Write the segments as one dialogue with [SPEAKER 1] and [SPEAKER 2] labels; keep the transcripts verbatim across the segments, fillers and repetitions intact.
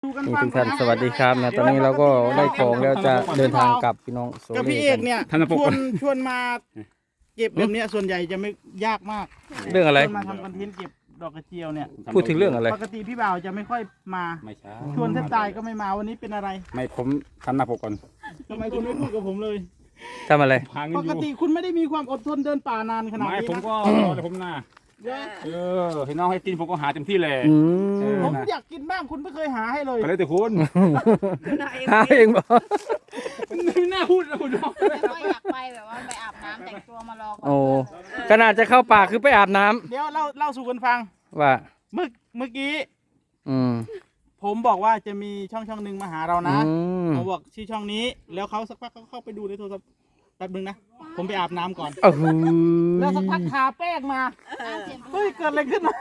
[SPEAKER 1] นี่ทุกท่านสวัสดีครับนะตอนนี้เราก็ได้ของแล้วจะเดินทางกลับพี่น้องโซ
[SPEAKER 2] กับ
[SPEAKER 1] เล่
[SPEAKER 2] พี่เอ
[SPEAKER 1] กั
[SPEAKER 2] ก
[SPEAKER 1] น
[SPEAKER 2] เนี่ย
[SPEAKER 3] ธนปก
[SPEAKER 2] ชวนชวนมาเก็บแบบเนี้ยส่วนใหญ่จะไม่ยากมาก
[SPEAKER 1] เรื่องอะไร
[SPEAKER 2] ชวนมาทำคอนเทนต์เก็บดอกกระเจียวเนี่ย
[SPEAKER 1] พูดถึงเรื่องอะไร
[SPEAKER 2] ปกติพี่บ่าวจะไม่ค่อยมา
[SPEAKER 3] ไม่ใช่
[SPEAKER 2] ชวนแทบตายก็ไม่มาวันนี้เป็นอะไร
[SPEAKER 3] ไม่ผมทำหน้าปกก่อน
[SPEAKER 2] ทำไมคุณไม่พูดกับผมเลย
[SPEAKER 1] ทำอะไร
[SPEAKER 3] หาเงิน
[SPEAKER 2] ป
[SPEAKER 3] อก ยู่
[SPEAKER 2] ติคุณไม่ได้มีความอดทนเดินป่านานขนาด
[SPEAKER 3] ไม่
[SPEAKER 2] นี้
[SPEAKER 3] ผม
[SPEAKER 2] นะ
[SPEAKER 3] ก็รอแต่ผมหน้า
[SPEAKER 2] เดี๋ยว
[SPEAKER 3] เออให้น้องให้กินผมก็หาเต็มที่เลย
[SPEAKER 1] อื
[SPEAKER 3] เอ
[SPEAKER 1] ม
[SPEAKER 3] อ
[SPEAKER 2] ผมอยากกินบ้างคุณไม่เคยหาให้เลย
[SPEAKER 3] ก็เลยแต่คุณ
[SPEAKER 1] หาเองบ่
[SPEAKER 3] ไม่น่าพูดนะคุณน้อง
[SPEAKER 4] แต่ว่าอยากไปแบบว่าไปอาบน้ำแต่งตัวมารอก่อน
[SPEAKER 1] โอ้ขนาดจะเข้าป่าคือไปอาบน้ำ
[SPEAKER 2] เดี๋ยวเล่าเล่าสู่กันฟัง
[SPEAKER 1] ว่า
[SPEAKER 2] เมื่อเมื่อกี้
[SPEAKER 1] อืม
[SPEAKER 2] ผมบอกว่าจะมีช่องช่องหนึ่งมาหาเรานะ
[SPEAKER 1] อืม
[SPEAKER 2] เขาบอกชื่อช่องนี้ แล้วเขาสักพักเขาเข้าไปดูในโทรศัพท์แป๊บนึงนะผมไปอาบน้ำก่อน
[SPEAKER 1] โอ้โห
[SPEAKER 2] แล้วสักพักทาแป้งมา
[SPEAKER 4] อ้าวเสียง
[SPEAKER 2] เฮ้ย เกิดอะไรขึ้นมา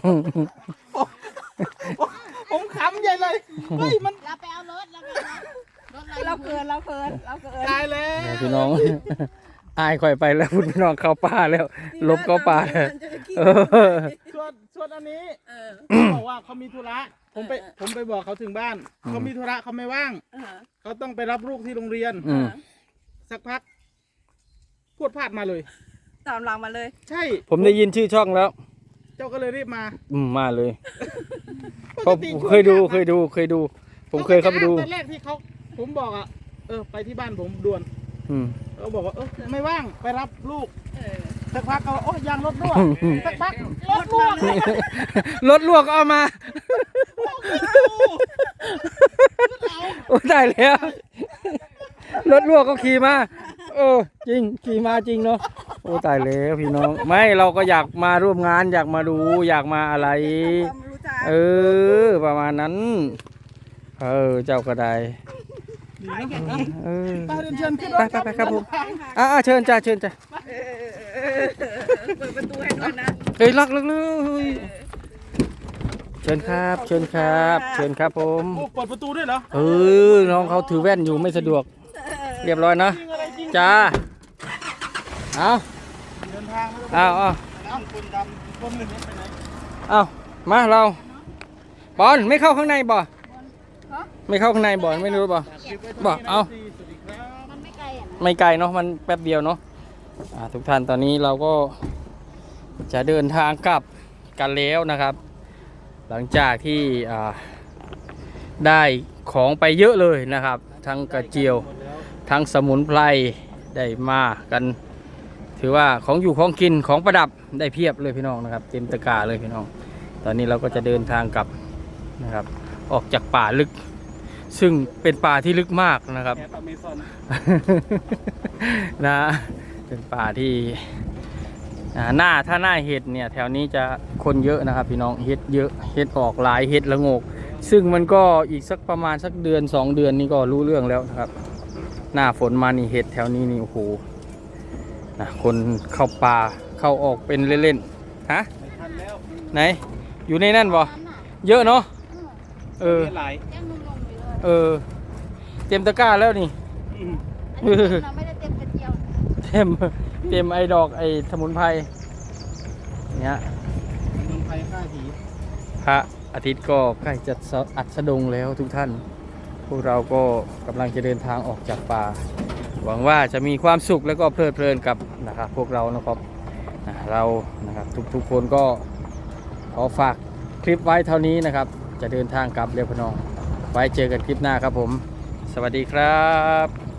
[SPEAKER 2] ผมขำใหญ่เลย เฮ้ย มัน
[SPEAKER 4] เราไปเอารถเราไปเอารถรถเราเกินเราเกินเราเกิน
[SPEAKER 2] ตายแล้ว
[SPEAKER 1] พี่น้อง อายค่อยไปแล้วพูดพี่น้องเข้าป่าแล้วลบเข้าป่าแล้วเออ
[SPEAKER 2] ส่วนส่วนอันนี้
[SPEAKER 4] เออ
[SPEAKER 2] เขาบอกว่าเขามีธุระ ผมไป ผมไปบอกเขาถึงบ้าน เขามีธุระเขาไม่ว่าง
[SPEAKER 4] เออ
[SPEAKER 2] เขาต้องไปรับลูกที่โรงเรียน
[SPEAKER 1] อืม
[SPEAKER 2] สักพักพูดพลาดมาเลย
[SPEAKER 4] ตามหลังมาเลย
[SPEAKER 2] ใช่
[SPEAKER 1] ผมได้ยินชื่อช่องแล้ว
[SPEAKER 2] เจ้าก็เลยรีบมา
[SPEAKER 1] อืมมาเลย
[SPEAKER 2] ป
[SPEAKER 1] เพราะ
[SPEAKER 2] กติ
[SPEAKER 1] เคยดูเคยดูเคยดู ผมเคยเข้าไปดู
[SPEAKER 2] ตอนแรกที่เขาผมบอกอ่ะ เออ ไปที่บ้านผมด่วน
[SPEAKER 1] อืม
[SPEAKER 2] เขาบอกว่า เออ ไม่ว่าง ไปรับลูก
[SPEAKER 4] เออ
[SPEAKER 2] สักพักเขาบอกโอ้ยยางรถรั่วสักพักรถรั่ว
[SPEAKER 1] รถลวกเอามา โอ้ได้แล้ว รถลวกก็ขี่มาเออจริงขี่มาจริงเนาะโอ้ตายแล้วพี่น้องไม่เราก็อยากมาร่วมงานอยากมาดูอยากมาอะไร
[SPEAKER 4] ความรู้จัก
[SPEAKER 1] เออ ประมาณนั้น เออเจ้าก็ได้เออ
[SPEAKER 2] ไปเดินเชิญขึ้นร
[SPEAKER 1] ไป
[SPEAKER 2] ถ
[SPEAKER 1] ไปไปครับผมอ่าเชิญจ้าเชิญจ้า
[SPEAKER 4] เปิดประตูให้ด้วยนะ
[SPEAKER 1] เฮ้ยล็อกล็อกเลยเชิญครับ เชิญครับ เชิญครับผม
[SPEAKER 2] โอ้เปิดประตูด้วยเหรอ
[SPEAKER 1] เออน้องเขาถือแว่นอยู่ไม่สะดวก เรียบร้อยนะ
[SPEAKER 2] จริงอะไรจริง
[SPEAKER 1] จ้า เอา
[SPEAKER 2] เดินทาง
[SPEAKER 1] เอาเอา
[SPEAKER 2] น้ำคนดำคนหนึ่งไปไหน
[SPEAKER 1] เอามาเราบอลไม่เข้าข้างในบ่ไม่เข้าข้างในบ่ไม่รู้บ่บ่เอา
[SPEAKER 2] สวัสดีครับ
[SPEAKER 4] มันไม่ไกลอ่ะนะ
[SPEAKER 1] ไม่ไกลเนาะมันแป๊บเดียวเนาะอ่าทุกท่านตอนนี้เราก็จะเดินทางกลับกันแล้วนะครับ หลังจากที่อ่าได้ของไปเยอะเลยนะครับ ทั้งกระเจียวทั้งสมุนไพรได้มากัน ถือว่าของอยู่ของกินของประดับได้เพียบเลยพี่น้องนะครับ เต็มตะกร้าเลยพี่น้อง ตอนนี้เราก็จะเดินทางกลับนะครับ ออกจากป่าลึก ซึ่งเป็นป่าที่ลึกมากนะครับ
[SPEAKER 3] แอปอเมซอน
[SPEAKER 1] นะเป็นป่าที่อ่าหน้าถ้าหน้าเห็ดเนี่ยแถวนี้จะคนเยอะนะครับพี่น้องเห็ดเยอะเห็ดออกหลายเห็ดละโงก ซึ่งมันก็อีกสักประมาณสักเดือนสองเดือนนี่ก็รู้เรื่องแล้วนะครับ หน้าฝนมานี่เห็ดแถวนี้นี่โอ้โหนะคนเข้าป่าเข้าออกเป็นเล่นๆฮะ
[SPEAKER 2] ทันแล้ว
[SPEAKER 1] ไหนอยู่ในนั่นบ่
[SPEAKER 4] นั่นน่ะ
[SPEAKER 1] เยอะเนาะเออ
[SPEAKER 2] ไหล
[SPEAKER 4] แจ้งนุ่มๆอยู่เลย
[SPEAKER 1] เออเต็มตะกร้าแล้วนี่
[SPEAKER 4] อันนี้เราไม่ได้เต็มกระเจียว
[SPEAKER 1] เต็มเต็มไอ้ดอกไอ้สมุนไพรเนี่ย
[SPEAKER 2] เมืองไทยฆ่าผี
[SPEAKER 1] พระอาทิตย์ก็ใกล้จะอัสดงแล้วทุกท่าน พวกเราก็กำลังจะเดินทางออกจากป่า หวังว่าจะมีความสุขแล้วก็เพลิดเพลินกับนะครับพวกเรานะครับอ่าเรานะครับทุกๆคนก็ขอฝากคลิปไว้เท่านี้นะครับ จะเดินทางกลับเรียบพนองไว้เจอกันคลิปหน้าครับผม สวัสดีครับ